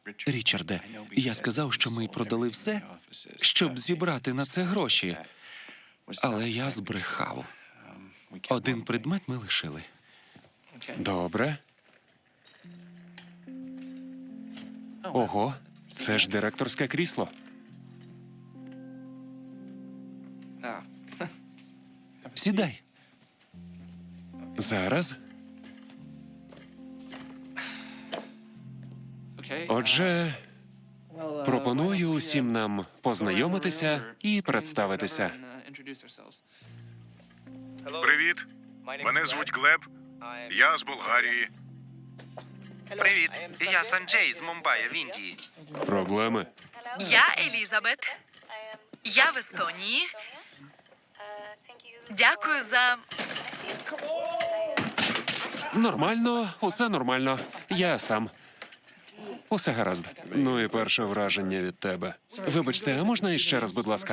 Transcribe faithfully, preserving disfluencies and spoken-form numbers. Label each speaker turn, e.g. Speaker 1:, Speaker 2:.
Speaker 1: Річарде, я сказав, що ми продали все, щоб зібрати на це гроші. Але я збрехав. Один предмет ми лишили.
Speaker 2: Добре. Ого, це ж директорське крісло.
Speaker 1: Сідай.
Speaker 2: Зараз. Отже, пропоную усім нам познайомитися і представитися.
Speaker 3: Привіт, мене звуть Глеб, я з Болгарії.
Speaker 4: Привіт, я Санджей з Мумбаї в Індії.
Speaker 2: Проблеми?
Speaker 5: Я Елізабет. Я в Естонії. Дякую за...
Speaker 2: Нормально, усе нормально. Я сам. Усе гаразд. Ну і перше враження від тебе. Вибачте, а можна іще раз, будь ласка?